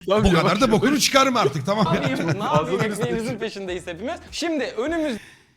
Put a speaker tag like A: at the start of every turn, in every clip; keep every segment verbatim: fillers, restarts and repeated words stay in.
A: Bu kadar da bokunu çıkarım artık tamam.
B: Ne yapayım? Ne yapayım? Ekmeğimizin peşindeyiz hepimiz. Şimdi önümüz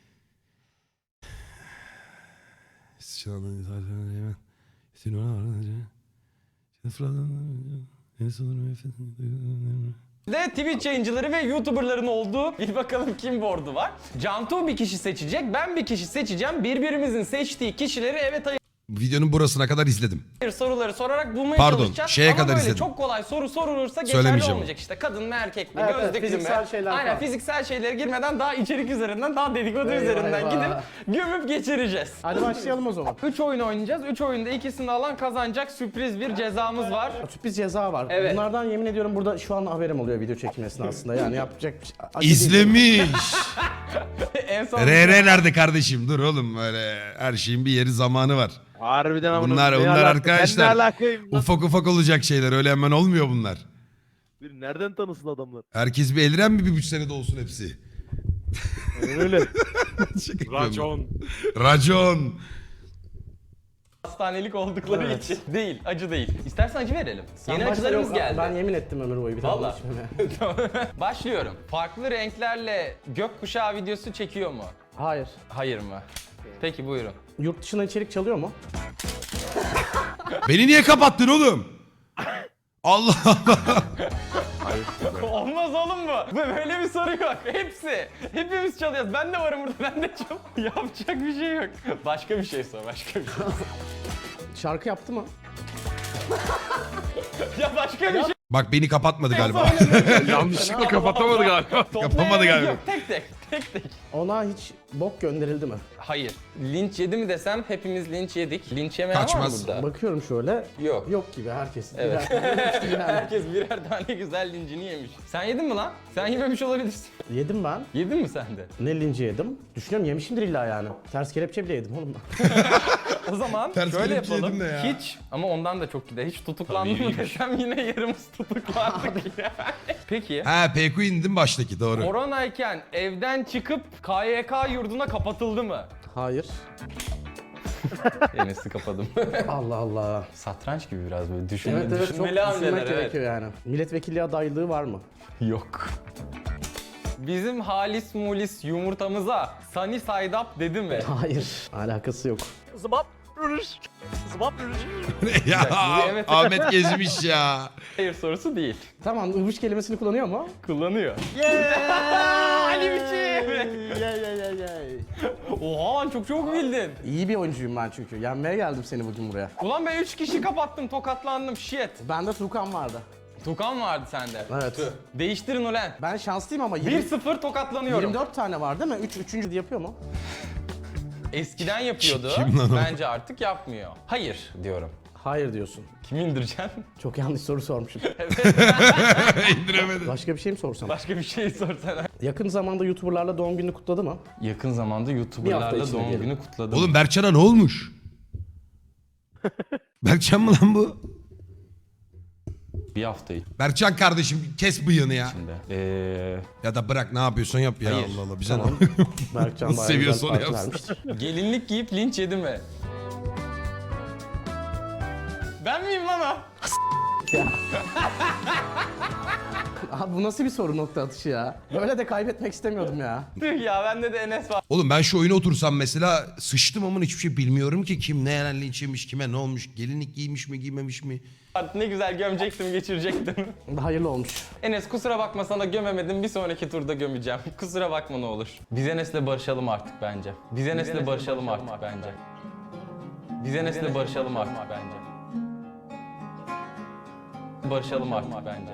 B: de Twitch yayıncıları ve YouTuber'ların olduğu bir bakalım kim board'u var. Cantu bir kişi seçecek, ben bir kişi seçeceğim. Birbirimizin seçtiği kişileri evet hayır
A: Videonun burasına kadar izledim.
B: soruları sorarak bulmaya
A: Pardon,
B: çalışacağız.
A: şeye
B: Ama
A: kadar
B: böyle
A: izledim.
B: çok kolay soru sorulursa geçerli
A: Söylemeyeceğim.
B: olmayacak işte. Kadın mı erkek mi,
C: Evet, evet,
B: gözlüklü mü?
C: fiziksel şeyler
B: Aynen
C: falan.
B: fiziksel şeylere girmeden daha içerik üzerinden, daha dedikodu
C: Eyvah,
B: üzerinden
C: eyvah.
B: gidip gömüp geçireceğiz.
C: Hadi başlayalım o zaman.
B: üç oyun oynayacağız. üç oyunda ikisini alan kazanacak, sürpriz bir cezamız var.
C: Sürpriz ceza var.
B: Evet.
C: Bunlardan yemin ediyorum burada şu an haberim oluyor video çekimi esnasında. Yani yapacak bir şey. acı değil.
A: İzlemiş.
B: En son
A: R R nerede kardeşim? Dur oğlum öyle her şeyin bir yeri zamanı var.
D: Harbiden amına
A: Bunlar
D: koyayım, ne
A: bunlar
D: alaka? Ben
A: arkadaşlar.
D: ne alakayım lan?
A: Ufak ufak olacak şeyler öyle hemen olmuyor bunlar.
D: Bir nereden tanısın adamlar?
A: Herkes bir eliren mi bir buçuk senede olsun hepsi?
D: Öyle.
A: Şaka yapıyorum.
E: Racon.
A: Racon.
B: hastanelik oldukları
C: Evet.
B: için. Değil, acı değil. İstersen acı verelim.
C: Sen
B: Yeni
C: başla,
B: acılarımız
C: yok,
B: geldi.
C: Ben yemin ettim ömür boyu bir tane
B: Vallahi.
C: içmeme.
B: Tamam. Başlıyorum. Farklı renklerle gökkuşağı videosu çekiyor mu?
C: Hayır.
B: Hayır mı? Peki buyurun.
C: Yurt dışına içerik çalıyor mu?
A: Beni niye kapattın oğlum? Allah Allah.
B: Olmaz oğlum bu. Bu böyle bir soru yok. Hepsi. Hepimiz çalıyoruz. Ben de varım burada. Ben de çal. Yapacak bir şey yok. Başka bir şey sor. Başka bir şey.
C: Şarkı yaptı mı?
B: Ya başka bir şey.
A: Bak beni kapatmadı galiba.
E: Yanlışlıkla kapatamadı galiba.
A: Kapamadı galiba.
B: Yok, tek tek. Tek tek.
C: Ona hiç bok gönderildi mi?
B: Hayır. Linç yedi mi desem hepimiz linç yedik. Linç yemeyen var mı
A: Kaçmaz.
B: burada?
C: Bakıyorum şöyle.
B: Yok.
C: Yok gibi herkes.
B: Evet.
C: Birer- yani.
B: Herkes birer tane güzel lincini yemiş. Sen yedin mi lan? Sen yememiş olabilirsin.
C: Yedim ben.
B: Yedin mi sen de?
C: Ne linci yedim? Düşünüyorum yemişimdir illa yani. Ters kelepçe bile yedim oğlum ben.
B: O zaman
A: Ters
B: şöyle
A: kelepçe
B: yapalım.
A: yedim de ya.
B: Hiç ama ondan da çok gider. Hiç tutuklandım mı desem yine yarımız tutuklandık yani. Peki.
A: Ha P Q indim baştaki doğru.
B: Koronayken evden çıkıp K Y K yurduna kapatıldı mı?
C: Hayır.
B: Enes'i kapadım.
C: Allah Allah.
B: Satranç gibi biraz böyle düşünme,
C: Evet evet çok
B: düşünmeli
C: düşünmek
B: hamleler evet.
C: gerekiyor yani. Milletvekilliği adaylığı var mı?
B: Yok. Bizim halis mulis yumurtamıza Sunny Side Up dedi mi?
C: Hayır. Alakası yok.
D: Zıbap rürüş. Zıbap rürüş.
A: ya
B: Bu evet.
A: Ahmet gezmiş ya.
B: Hayır sorusu değil.
C: Tamam ıvış kelimesini kullanıyor mu?
B: Kullanıyor. Ali biçim.
C: Yay yay yay yay.
B: Oha lan çok çok bildin.
C: İyi bir oyuncuyum ben çünkü. Yenmeye geldim seni bugün buraya.
B: Ulan ben üç kişi kapattım, tokatlandım. Shit.
C: Bende Tukan vardı.
B: Tukan vardı sende.
C: Evet.
B: Tüh. Değiştirin ulan.
C: Ben şanslıyım ama
B: bir
C: yirmi,
B: sıfır tokatlanıyorum.
C: yirmi dört tane var değil mi? üç, üçüncü de yapıyor mu?
B: Eskiden yapıyordu.
A: Kim lan o?
B: Bence artık yapmıyor. Hayır diyorum.
C: Hayır diyorsun.
B: Kimi indireceksin?
C: Çok yanlış soru sormuşum.
A: İndiremedim.
C: Başka bir şey mi sorsam?
B: Başka bir şey sorsana.
C: Yakın zamanda YouTuber'larla doğum gününü kutladı mı?
B: Yakın zamanda
C: Bir hafta
B: YouTuber'larla
C: içinde
B: doğum
C: diyelim.
B: günü kutladım.
A: Oğlum Berkcan'a ne olmuş? Berkcan mı lan bu?
B: bir hafta
A: Berkcan kardeşim kes bıyığını ya.
B: içinde. Ee,
A: Ya da bırak ne yapıyorsan yap ya
B: Hayır.
A: Allah Allah bize
C: Tamam.
A: ne?
C: Berkcan
A: Nasıl
C: bayağı
A: seviyorsa
C: güzel
A: onu
C: parti
A: yapsın.
C: vermiştir.
B: gelinlik giyip linç yedi mi? Ben miyim lan o?
C: Abi bu nasıl bir soru nokta atışı ya? Böyle de kaybetmek istemiyordum ya.
B: Tüh ya bende de Enes var.
A: Oğlum ben şu oyuna otursam mesela sıçtım ama hiçbir şey bilmiyorum ki kim ne yerden linç yemiş, kime ne olmuş, gelinlik giymiş mi giymemiş mi?
B: Ne güzel gömecektim, geçirecektim.
C: Hayırlı olmuş.
B: Enes kusura bakma sana gömemedim. Bir sonraki turda gömeceğim. Kusura bakma ne olur. Biz Enes'le barışalım artık bence. Biz Enes'le barışalım artık bence. Biz Enes'le barışalım artık bence. Barışalım artık bence.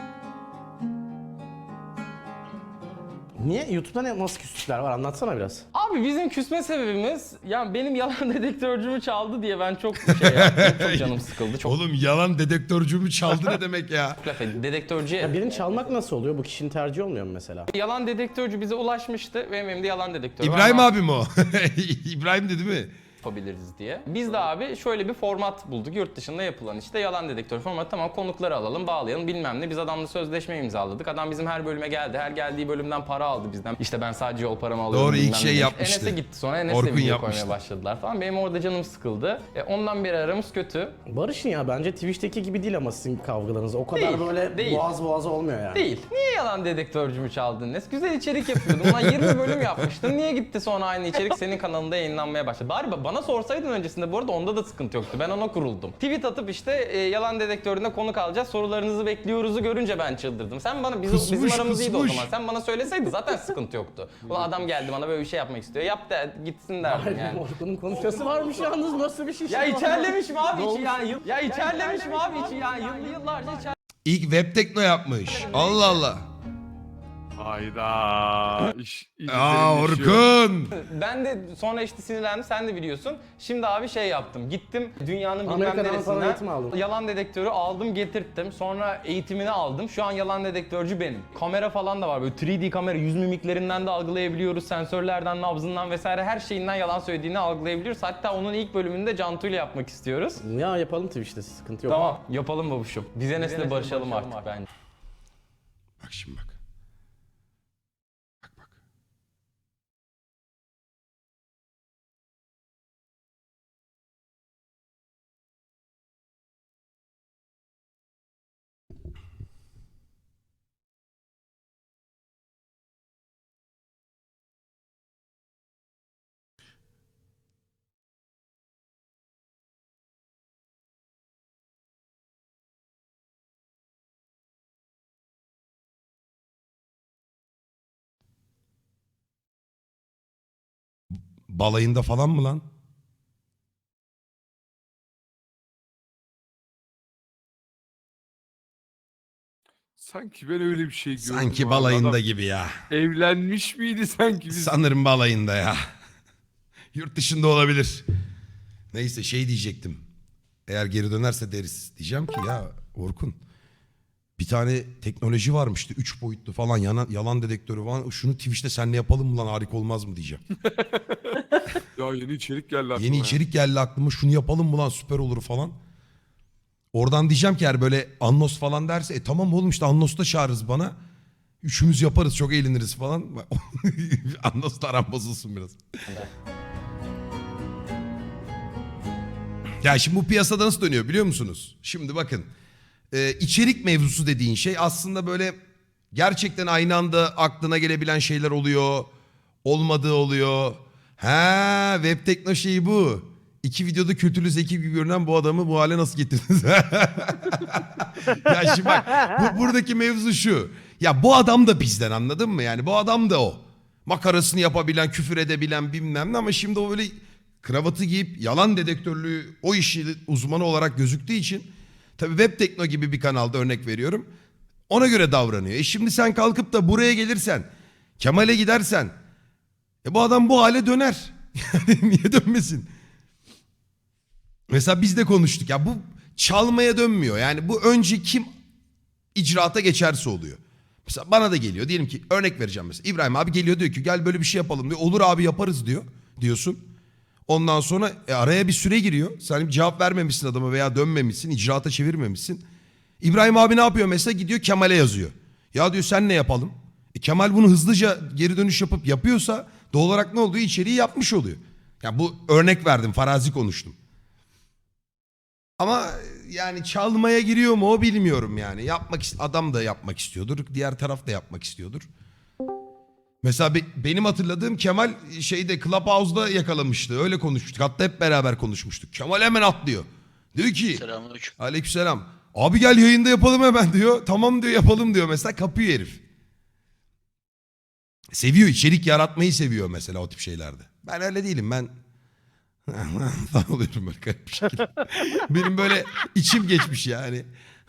C: Niye? YouTube'da ne, nasıl küslükler var? Anlatsana biraz.
B: Abi bizim küsme sebebimiz yani benim yalan dedektörcümü çaldı diye ben çok şey yaptım. Çok canım sıkıldı. Çok
A: Oğlum yalan dedektörcümü çaldı ne demek ya?
B: laf ettim. Dedektörcüye
C: Birini çalmak nasıl oluyor? Bu kişinin tercihi olmuyor mu mesela?
B: yalan dedektörcü bize ulaşmıştı. Benim elimde yalan dedektörü var
A: İbrahim
B: ama
A: abi mi o? İbrahim dedi mi?
B: yapabiliriz diye. Biz de abi şöyle bir format bulduk. Yurt dışında yapılan işte yalan dedektör formatı. Tamam, konukları alalım, bağlayalım bilmem ne. Biz adamla sözleşme imzaladık. Adam bizim her bölüme geldi. Her geldiği bölümden para aldı bizden. İşte ben sadece yol paramı alıyorum.
A: Doğru, ilk
B: bilmem
A: şey
B: ne.
A: yapmıştı.
B: Enes'e gitti sonra. Enes'le
A: Orkun
B: video
A: yapmıştı.
B: koymaya başladılar falan. Benim orada canım sıkıldı. E, ondan beri aramız kötü.
C: Barış'ın ya bence Twitch'teki gibi değil ama sizin kavgalarınız. O kadar
B: Değil,
C: böyle
B: değil.
C: boğaz boğaz olmuyor yani.
B: Değil. Niye yalan dedektörcümü çaldın Enes? Güzel içerik yapıyordun. Ulan yirmi bölüm yapmıştın. Niye gitti sonra aynı içerik senin kanalında yayınlanmaya başladı? Bari ba- bana sorsaydın öncesinde, bu arada onda da sıkıntı yoktu. Ben ona kuruldum. Tweet atıp işte e, yalan dedektöründe konuk alacağız, sorularınızı bekliyoruzu görünce ben çıldırdım. Sen bana, biz,
A: Kısmış,
B: bizim aramız iyiydi o
A: kısmış.
B: zaman. Sen bana söyleseydin zaten sıkıntı yoktu. Ulan adam geldi bana böyle bir şey yapmak istiyor. Yap da gitsin derdim
C: Hayır,
B: yani.
C: Orkun'un konuşması varmış yalnız, nasıl bir şey?
B: Ya içerlemişim abi
C: Ne
B: içi
C: olmuş?
B: ya. Yıl, ya içerlemişim abi içi ya. Yıllı yıllarca içer.
A: İlk web tekno yapmış. Allah Allah.
E: Hayda. İş, iyice
A: Aa
E: derinleşiyor.
A: Orkun.
B: Ben de sonra işte sinirlendim, sen de biliyorsun. Şimdi abi şey yaptım, gittim dünyanın bilmem
C: Amerika'dan falan
B: neresinden
C: eğitim aldın.
B: yalan dedektörü aldım getirttim. Sonra eğitimini aldım. Şu an yalan dedektörcü benim. Kamera falan da var, böyle üç D kamera, yüz mimiklerinden de algılayabiliyoruz. Sensörlerden, nabzından vesaire her şeyinden yalan söylediğini algılayabiliyoruz. Hatta onun ilk bölümünde Cantu ile yapmak istiyoruz.
C: Ya yapalım Twitch'te, sıkıntı yok.
B: Tamam, yapalım babuşum. Biz Enes'le barışalım artık bence.
A: Bak şimdi bak. Bak bak. Balayında falan mı lan?
E: Sanki ben öyle bir şey gördüm.
A: Sanki
E: abi.
A: balayında
E: Adam
A: gibi ya.
E: evlenmiş miydi sanki biz?
A: Sanırım balayında ya. Yurt dışında olabilir. Neyse şey diyecektim. Eğer geri dönerse deriz. Diyeceğim ki ya Orkun, bir tane teknoloji varmıştı. Üç boyutlu falan yalan, yalan dedektörü falan. Şunu Twitch'te seninle yapalım mı lan, harika olmaz mı diyeceğim.
E: Ya yeni içerik geldi aklıma.
A: Yeni
E: ya.
A: içerik geldi aklıma, şunu yapalım mı lan, süper olur falan. Oradan diyeceğim ki eğer böyle Annos falan derse e tamam oğlum işte Annos'ta çağırırız bana. Üçümüz yaparız, çok eğleniriz falan. Annos'la aram bozulsun biraz. Ya şimdi bu piyasada nasıl dönüyor biliyor musunuz? Şimdi bakın. Ee, içerik mevzusu dediğin şey aslında böyle gerçekten aynı anda aklına gelebilen şeyler oluyor. Olmadığı oluyor. Ha, web tekno şeyi bu. İki videoda kötülü zeki gibi görünen bu adamı bu hale nasıl getirdiniz? Ya şimdi bak, bu, buradaki mevzu şu. Ya bu adam da bizden, anladın mı? Yani bu adam da o. Makarasını yapabilen, küfür edebilen bilmem ne, ama şimdi o böyle kravatı giyip yalan dedektörlüğü o işi uzmanı olarak gözüktüğü için tabii web tekno gibi bir kanalda örnek veriyorum. Ona göre davranıyor. E şimdi sen kalkıp da buraya gelirsen, Kemal'e gidersen e bu adam bu hale döner. Yani niye dönmesin? Mesela biz de konuştuk ya, bu çalmaya dönmüyor. Yani bu önce kim icraata geçerse oluyor. Mesela bana da geliyor, diyelim ki örnek vereceğim mesela. İbrahim abi geliyor diyor ki gel böyle bir şey yapalım diyor. Olur abi yaparız diyor diyorsun. Ondan sonra e, araya bir süre giriyor. Sen bir cevap vermemişsin adama veya dönmemişsin, icraata çevirmemişsin. İbrahim abi ne yapıyor mesela, gidiyor Kemal'e yazıyor. Ya diyor sen ne yapalım? E, Kemal bunu hızlıca geri dönüş yapıp yapıyorsa doğal olarak ne oluyor? İçeriği yapmış oluyor. Ya bu örnek verdim, farazi konuştum. Ama yani çalmaya giriyor mu o bilmiyorum yani. Yapmak ist- adam da yapmak istiyordur, diğer taraf da yapmak istiyordur. Mesela be- benim hatırladığım Kemal şeyde Clubhouse'da yakalamıştı. Öyle konuşmuştuk. Hatta hep beraber konuşmuştuk. Kemal hemen atlıyor. Diyor ki
F: Selamünaleyküm.
A: aleykümselam. Abi gel yayında yapalım hemen diyor. Tamam diyor, yapalım diyor mesela, kapıyor herif. Seviyor, içerik yaratmayı seviyor mesela o tip şeylerde. Ben öyle değilim, ben falan oluyorum böyle garip bir şekilde. Benim böyle içim geçmiş yani.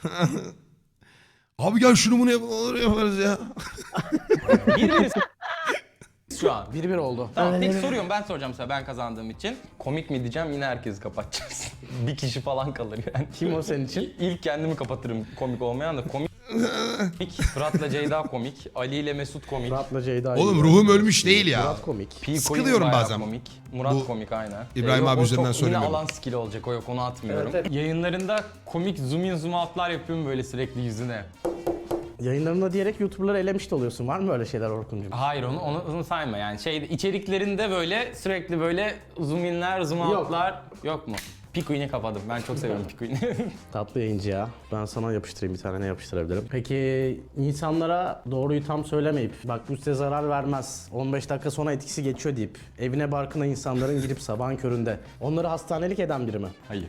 A: Abi gel şunu bunu yapalım, olur yaparız ya.
B: Bir bir şu an.
C: bir bir oldu.
B: Tamam, peki soruyorum, ben soracağım size, ben kazandığım için. Komik mi diyeceğim, yine herkesi kapatacağız. Bir kişi falan kalır yani.
C: Kim o senin için?
B: İlk kendimi kapatırım komik olmayan da komik. komik, Fırat'la Ceyda komik, Ali ile Mesut komik.
C: Murat'la Ceyda.
A: Oğlum
C: iyi.
A: ruhum ölmüş değil ya.
C: Murat komik.
B: P.
A: Sıkılıyorum
B: Coin bayağı
A: bazen.
B: Komik. Murat
A: Bu
B: komik aynen.
A: İbrahim
B: yok,
A: abi
B: o
A: üzerinden
B: çok
A: söylemiyorum.
B: Yine alan skill olacak o yok onu atmıyorum.
C: Evet, evet.
B: Yayınlarında komik zoom in zoom out'lar yapıyorum böyle sürekli yüzüne.
C: Yayınlarında diyerek YouTuber'ları elemiş de oluyorsun. Var mı öyle şeyler Orkun'cum?
B: Hayır onu, onu, onu sayma yani şey içeriklerinde böyle sürekli böyle zoom inler zoom
C: Yok.
B: out'lar yok mu? Pikuin'i kapadım. Ben çok seviyorum Pikuin'i.
C: Tatlı yayıncı ya. Ben sana yapıştırayım bir tane ne yapıştırabilirim. Peki insanlara doğruyu tam söylemeyip bak bu size zarar vermez on beş dakika sonra etkisi geçiyor deyip evine barkına insanların girip sabahın köründe onları hastanelik eden biri mi?
B: Hayır.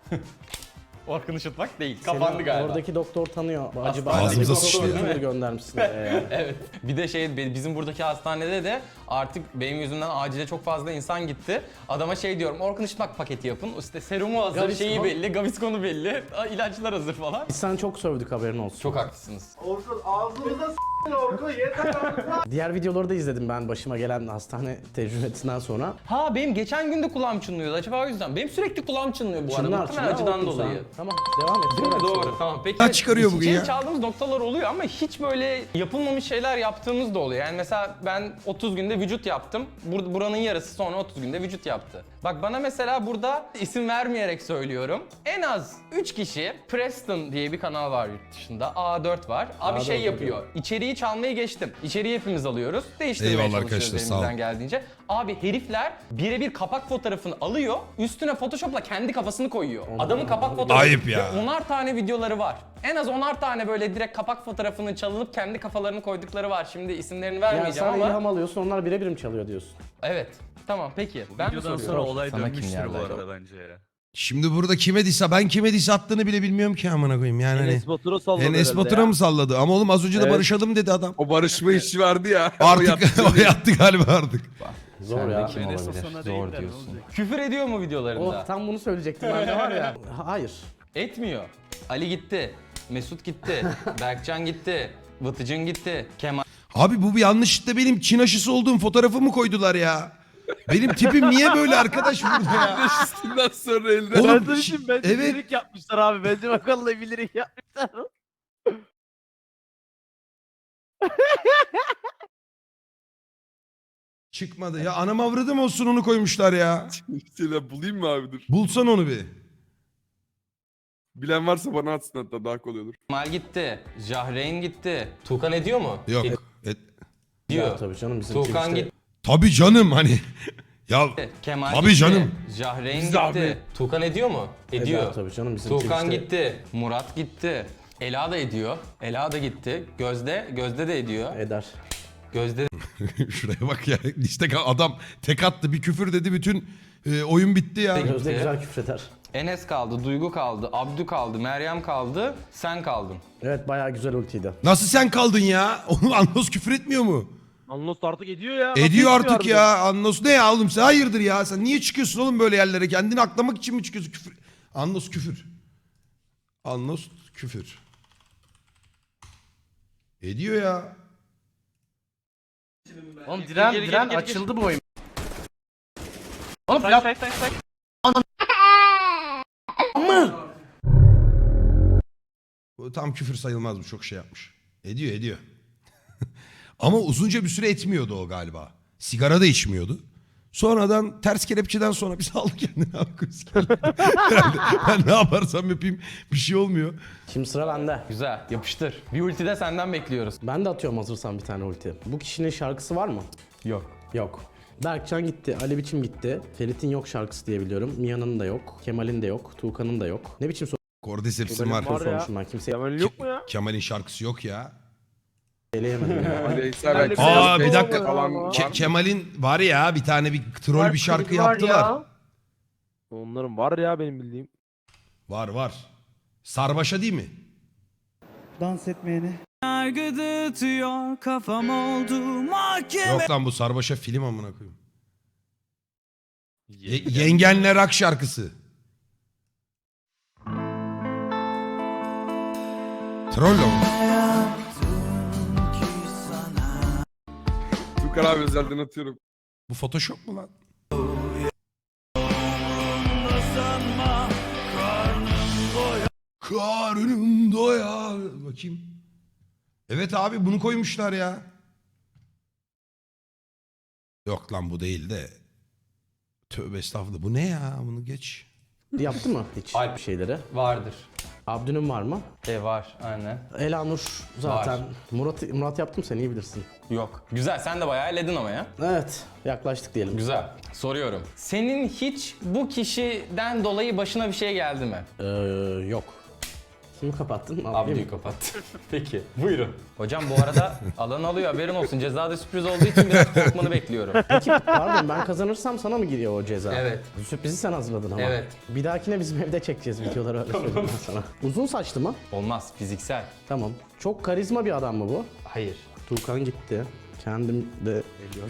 B: Orkun Işıtmak değil.
C: Seni
B: Kapandı galiba.
C: Oradaki doktor tanıyor. Acaba
A: Ağzımıza
C: doktor
A: sıçtı ya.
C: YouTuber göndermişsin. Ee,
B: Evet. Bir de şey bizim buradaki hastanede de artık benim yüzümden acile çok fazla insan gitti. Adama şey diyorum Orkun Işıtmak paketi yapın. İşte serumu hazır,
C: Gaviscon.
B: şeyi belli, Gaviscon'u belli, ilaçlar hazır falan.
C: Biz sen çok sövdük haberin olsun.
B: Çok haklısınız.
D: Orkun ağzımıza s***in Orkun yeter artık.
C: Diğer videoları da izledim ben başıma gelen hastane tecrübesinden sonra.
B: Ha benim geçen gün de kulağım çınlıyordu acaba o yüzden. Benim sürekli kulağım çınlıyor bu arada.
C: Çınlar,
B: Muhtemelen
C: çınlar
B: acıdan
C: Orkun sen.
B: dolayı.
C: Tamam devam et.
B: Değil mi?
C: Sonra
B: Doğru.
C: söyle.
B: Tamam. Peki.
A: Kaç çıkarıyor bugün
B: içeri
A: ya?
B: çaldığımız noktalar oluyor ama hiç böyle yapılmamış şeyler yaptığımız da oluyor. Yani mesela ben otuz günde vücut yaptım. Bur buranın yarısı sonra otuz günde vücut yaptı. Bak bana mesela burada isim vermeyerek söylüyorum. En az üç kişi Preston diye bir kanal var yurt dışında. A dört var. Abi
C: A
B: şey
C: dört
B: yapıyor. İçeriği çalmayı geçtim. İçeriği hepimiz alıyoruz. Değiştirmeye
A: Eyvallah
B: çalışıyoruz
A: arkadaşlar, sağ olun.
B: elimizden geldiğince. Abi herifler birebir kapak fotoğrafını alıyor. Üstüne Photoshop'la kendi kafasını koyuyor. Adamın kapak fotoğrafı.
A: Ayıp ya.
B: Ve onar tane videoları var. En az onar tane böyle direkt kapak fotoğrafını çalınıp kendi kafalarını koydukları var. Şimdi isimlerini
C: Yani
B: vermeyeceğim
C: sen
B: ama.
C: ilham alıyorsun onlar birebir mi çalıyor diyorsun?
B: Evet. Tamam peki. Ben mi
F: Videodan
B: soruyorum?
F: sonra olay
B: Sana kim
F: dönmüştür
B: geldi
F: bu
B: acaba?
F: arada bence ya.
A: Şimdi burada kime dise ben kime dise attığını bile bilmiyorum ki amına koyayım yani hani.
D: Enes Batur'a salladı
A: Enes
D: herhalde
A: Batur'a
D: ya.
A: mı salladı? Ama oğlum az önce de
D: Evet.
A: barışalım dedi adam.
E: O barışma işi vardı ya. o
A: Artık
E: yaptı.
A: o yattı galiba artık.
C: Zor
B: Sen de
C: ya.
B: kim
F: Enes o
B: olabilir?
F: sana
B: Zor
F: değil de ne
B: diyorsun.
F: olacak?
B: Küfür ediyor mu videolarında?
C: Oh tam bunu söyleyecektim ben de var ya. Hayır.
B: Etmiyor. Ali gitti. Mesut gitti. Berkcan gitti. Vıtıcın gitti. Kemal
A: Abi bu bir yanlışlıkla benim Çin aşısı olduğum fotoğrafımı koydular ya. Benim tipim niye böyle arkadaş burada ya?
E: Üstünden sonra elde.
A: Oğlum,
D: Ben sana diyeyim, bence
A: evet.
D: bilerek yapmışlar abi. Bence bakalım bilerek yapmışlar.
A: Çıkmadı ya anam avradım olsun onu koymuşlar ya.
E: İşte bulayım mı abi dur.
A: Bulsan onu bir.
E: Bilen varsa bana atsın hatta daha kolay olur.
B: gitti. Jahreyn gitti. Tuğkan ediyor mu?
A: Yok. Et.
B: Ediyor.
C: Ya, tabii canım bizim
B: Tuğkan
C: Twitch'te-
B: gitti.
A: Tabii canım hani. Ya
B: Kemal
A: Tabii
B: gitti.
A: canım.
B: Jahreyn
E: Biz
B: gitti.
E: de abi.
B: Tuğkan ediyor mu? Ediyor.
C: Eder tabii canım bizim
B: Tuğkan
C: Twitch'te-
B: gitti. Murat gitti. Ela da ediyor. Ela da gitti. Gözde, Gözde de ediyor.
C: Eder.
B: Gözde
A: şuraya bak ya. Liste kal- adam tek attı bir küfür dedi bütün e, oyun bitti ya.
B: Peki.
C: Gözde güzel küfreder.
B: Enes kaldı, Duygu kaldı, Abdü kaldı, Meryem kaldı, sen kaldın.
C: Evet bayağı güzel ultiydi.
A: Nasıl sen kaldın ya? Oğlum Anlos küfür etmiyor mu?
D: Anlos artık ediyor ya. Nasıl
A: Ediyor
D: etmiyor
A: artık
D: harbiden?
A: ya. Anlos ne ya oğlum sen hayırdır ya? Sen niye çıkıyorsun oğlum böyle yerlere? Kendini aklamak için mi çıkıyorsun küfür? Anlos küfür. Anlos küfür. Ediyor ya.
C: Oğlum diren diren açıldı bu oyun. Oğlum plat...
A: Bu tam küfür sayılmaz bu çok şey yapmış. Ediyor ediyor. Ama uzunca bir süre etmiyordu o galiba. Sigara da içmiyordu. Sonradan ters kelepçeden sonra bir saldı kendini abi kız geldi. Herhalde ben ne yaparsam yapayım bir şey olmuyor.
C: Şimdi sıra bende.
B: Güzel, yapıştır. Bir ulti de senden bekliyoruz.
C: Ben de atıyorum hazırsan bir tane ulti. Bu kişinin şarkısı var mı?
B: Yok.
C: Yok. Berkcan gitti, Ali Biçim gitti. Ferit'in yok şarkısı diye biliyorum. Mia'nın da yok, Kemal'in de yok, Tuğkan'ın da yok. Ne biçim
A: Cordyceps'im
D: Benim
A: var.
D: var ya.
C: sormuşum ben kimseye
D: Kemal yok mu ya?
A: Kemal'in şarkısı yok ya.
C: eleyemedim ya.
E: Aleyhisselam
D: Kemal'le
E: belki
A: Aa,
E: biraz
A: bir dakika.
E: falan
D: Ke-
E: var
A: Ke-
E: mı?
A: Kemal'in var ya bir tane bir troll bir şarkı yaptılar.
D: Onların var ya benim bildiğim.
A: Var var. Sarbaşa değil mi?
G: Dans etmeyeni.
H: Yargı tutuyor kafam oldu mahkeme.
A: Yok lan bu Sarbaşa film amına koyayım. Ye- Yengenle Rak şarkısı. Trollo mu?
E: Tukan abi özelden atıyorum.
A: Bu Photoshop mu lan? Karnım doyar. Bakayım. Evet abi bunu koymuşlar ya. Yok lan bu değil de. Tövbe estağfurullah. Bu ne ya? Bunu geç.
C: Yaptı mı hiç
B: Alp.
C: bir şeyleri?
B: Vardır.
C: Abdü'nün var mı?
B: E var aynen.
C: Elanur zaten.
B: Var.
C: Murat Murat yaptım, sen iyi bilirsin.
B: Yok. Güzel, sen de bayağı elledin ama ya.
C: Evet, yaklaştık diyelim.
B: Güzel. Soruyorum. Senin hiç bu kişiden dolayı başına bir şey geldi mi?
C: Ee, yok. Kimi kapattın? Abdü'yü
B: Abdü'yü kapat. Peki. Buyurun. Hocam bu arada alan alıyor, haberin olsun. Cezada sürpriz olduğu için biraz korkmanı bekliyorum.
C: Peki pardon, ben kazanırsam sana mı giriyor o ceza?
B: Evet.
C: Sürprizi sen hazırladın ama.
B: Evet.
C: Bir dahakine bizim evde çekeceğiz videoları, öyle söyleyeyim ben sana. Uzun saçlı mı?
B: Olmaz. Fiziksel.
C: Tamam. Çok karizma bir adam mı bu?
B: Hayır.
C: Tuğkan gitti. Kendim de geliyorum.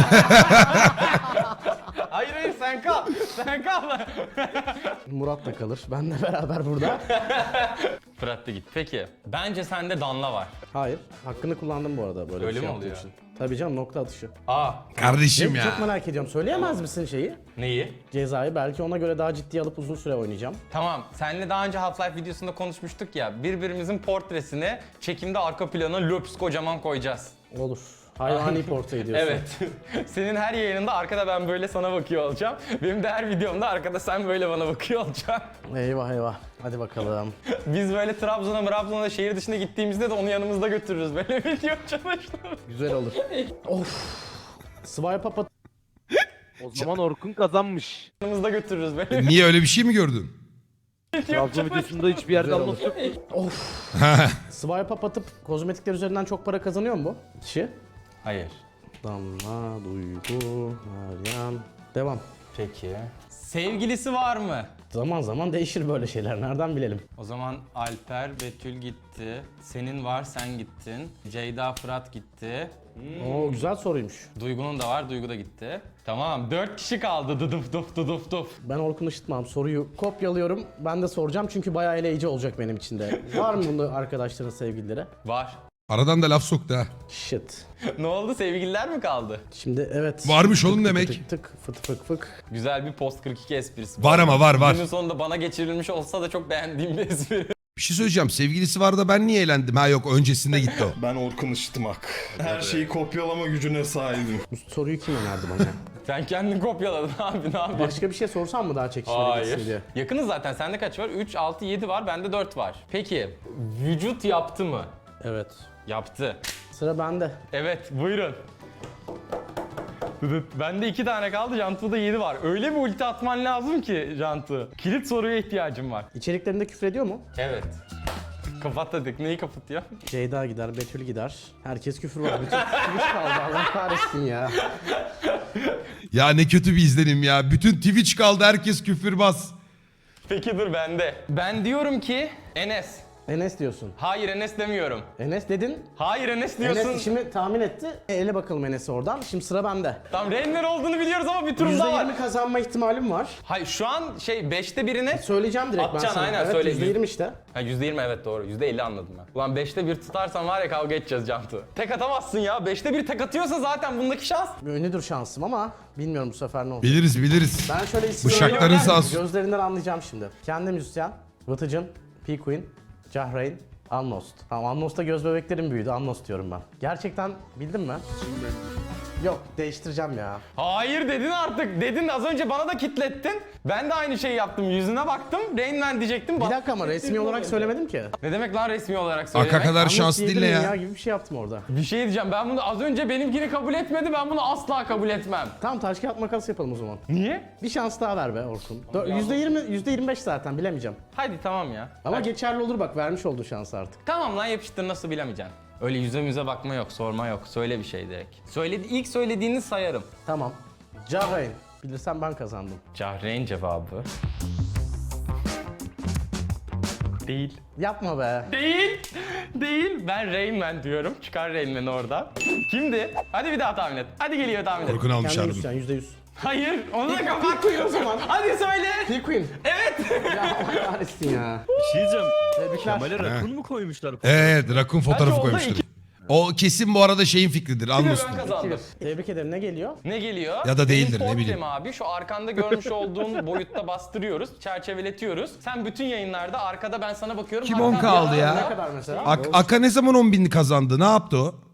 B: Hayır hayır sen kal. Sen kal.
C: Murat da kalır. Benle beraber burada.
B: Fırat da git. Peki. Bence sende Danla var.
C: Hayır. Hakkını kullandım bu arada böyle
B: Öyle
C: bir şey
B: mi
C: yaptığım
B: oluyor?
C: için. Tabii canım, nokta atışı.
B: Aa.
A: Kardeşim
C: Evet,
A: ya.
C: çok merak ediyorum. Söyleyemez misin şeyi?
B: Neyi?
C: Cezayı belki ona göre daha ciddiye alıp uzun süre oynayacağım.
B: Tamam. Seninle daha önce Half-Life videosunda konuşmuştuk ya. Birbirimizin portresini çekimde arka plana löps kocaman koyacağız.
C: Olur. Hayvani portre ediyorsun.
B: Evet. Senin her yayınında arkada ben böyle sana bakıyor olacağım. Benim de her videomda arkada sen böyle bana bakıyor olacaksın.
C: Eyvah eyvah. Hadi bakalım.
B: Biz böyle Trabzon'a, Trabzon'a şehir dışına gittiğimizde de onu yanımızda götürürüz. Böyle video çalıştım.
C: Güzel olur. Of. Swipe up at-
D: O zaman Orkun kazanmış.
B: Yanımızda götürürüz böyle
A: Niye öyle bir şey mi gördün?
B: video
D: Trabzon videosunda hiçbir yerde
C: Güzel
D: anons yok.
C: Of. Swipe up atıp kozmetikler üzerinden çok para kazanıyor mu bu kişi?
B: Hayır.
C: Damla, Duygu, Meryem. Devam.
B: Peki. Sevgilisi var mı?
C: Zaman zaman değişir böyle şeyler. Nereden bilelim?
B: O zaman Alper, Betül gitti. Senin var, sen gittin. Ceyda, Fırat gitti.
C: Oo, güzel soruymuş.
B: Duygu'nun da var, Duygu da gitti. Tamam, dört kişi kaldı. Dıdıf dıf dıdıf dıf.
C: Ben Orkun ışıtmam. Soruyu kopyalıyorum. Ben de soracağım çünkü bayağı eleyici olacak benim için de. Var mı bunda arkadaşların sevgilileri?
B: Var.
A: Aradan da laf soktu ha.
C: Shit.
B: Ne oldu? Sevgililer mi kaldı?
C: Şimdi evet.
A: Varmış oğlum
C: Tık tık
A: demek.
C: Tık tık fıt fık fık.
B: Güzel bir post kırk iki esprisi.
A: Var ama var var.
B: Günün sonunda bana geçirilmiş olsa da çok beğendiğim bir espri.
A: Bir şey söyleyeceğim. Sevgilisi var da ben niye eğlendim? Ha yok, öncesinde gitti o.
F: Ben Orkun Işıtmak. Her şeyi kopyalama gücüne sahibim.
C: Bu soruyu kim önerdi bana?
B: Sen kendini kopyaladın abi, ne yapıyorsun?
C: Başka bir şey sorsam mı daha çekişmeli gitsin diye?
B: Hayır. Yakınız zaten. Sende kaç var? üç, altı, yedi var. Bende dört var. Peki, vücut yaptı mı?
C: Evet.
B: Yaptı.
C: Sıra bende.
B: Evet, buyurun. Dıdıt. Bende iki tane kaldı, Jantu'da yedi var. Öyle bir ulti atman lazım ki Jantu. Kilit soruya ihtiyacım var.
C: İçeriklerinde küfür ediyor mu?
B: Evet. Kapat dedik. Neyi kapatıyor?
C: Ceyda gider, Betül gider. Herkes küfür var. Bütün Twitch kaldı. Allah kahretsin ya.
A: Ya ne kötü bir izlenim ya. Bütün Twitch kaldı, herkes küfürbaz.
B: Peki dur bende. Ben diyorum ki Enes.
C: Enes diyorsun.
B: Hayır Enes demiyorum.
C: Enes dedin.
B: Hayır Enes diyorsun.
C: Enes şimdi tahmin etti. E, ele bakalım Enes'e oradan. Şimdi sıra bende.
B: Tamam Renner olduğunu biliyoruz ama bir turum daha var.
C: yüzde yirmi kazanma ihtimalim var.
B: Hayır şu an şey beşte birine...
C: Söyleyeceğim direkt ben
B: Atacaksın,
C: sana.
B: aynen,
C: evet,
B: söyle.
C: yüzde yirmi işte.
B: Ha yüzde yirmi evet doğru. yüzde elli anladım ben. Ulan beşte bir tutarsan var ya kavga edeceğiz Cantu. Tek atamazsın ya. beşte bir tek atıyorsa zaten bundaki şans.
C: Ünlüdür şansım ama bilmiyorum bu sefer ne olacak.
A: Biliriz biliriz.
C: Ben şöyle
A: Bu
C: isim
A: şartların
C: söylüyorum.
A: sağ olsun.
C: Gözlerinden anlayacağım şimdi. Kendi müzisyen, Vıtıcın, P-Queen, Cahreyn, Amnost. Tamam, Amnost'ta göz bebeklerim büyüdü. Amnost diyorum ben. Gerçekten bildin mi? Yok, değiştireceğim ya.
B: Hayır dedin artık. Dedin az önce bana da kitlettin. Ben de aynı şeyi yaptım. Yüzüne baktım. Rain Man diyecektim.
C: Bir
B: Bak-
C: dakika ama resmi olarak söylemedim ki.
B: Ne demek lan resmi olarak söylemek?
A: Aka kadar
C: Amnost
A: şanslı değil ne
C: diyebilirim
A: ya.
C: gibi bir şey yaptım orada.
B: Bir şey diyeceğim. Ben bunu az önce benimkini kabul etmedi. Ben bunu asla kabul etmem.
C: Tamam, taş kağıt makas yapalım o zaman.
B: Niye?
C: Bir şans daha ver be Orkun. Dö- yüzde yirmi, yüzde yirmi beş zaten bilemeyeceğim.
B: Hadi tamam ya.
C: Ama
B: Hadi.
C: geçerli olur bak, vermiş olduğu şansı artık.
B: Tamam lan yapıştır, nasıl bilemeyeceksin. Öyle yüze müze bakma yok, sorma yok. Söyle bir şey direkt. Söyledi, ilk söylediğini sayarım.
C: Tamam. Cahreyn. Bilirsem ben kazandım.
B: Cahreyn cevabı. Değil.
C: Yapma be.
B: Değil. Değil. Ben Rain Man diyorum. Çıkar Rain Man'i oradan. Kimdi? Hadi bir daha tahmin et. Hadi geliyor tahmin et.
A: Orkun almış
C: Kendi
A: harbim.
C: müzisyen yüzde yüz.
B: Hayır. Onu da kapat o zaman. Hadi söyle.
C: P-Queen.
B: Evet.
C: Ya Allah kahretsin ya.
I: Bir şey diyeceğim.
C: Tebrikler.
I: Kemal'e rakun mu koymuşlar?
A: Evet, rakun
B: Kaç
A: fotoğrafı
B: oldu?
A: koymuştur.
B: İki.
A: O kesin bu arada şeyin fikridir.
B: Bir de
A: Anlıyorsun.
B: ben kazandım.
C: Tebrik ederim. Ne geliyor?
B: Ne geliyor?
A: Ya da değildir,
B: Benim
A: ne
B: totem
A: bileyim.
B: abi şu arkanda görmüş olduğun boyutta bastırıyoruz, çerçeveletiyoruz. Sen bütün yayınlarda arkada ben sana bakıyorum.
A: Kim
B: Hatta
A: on
B: bir
A: kaldı
B: anda-
A: ya?
C: Ne kadar mesela?
A: Ak- Aka ne zaman on bini kazandı? Ne yaptı o?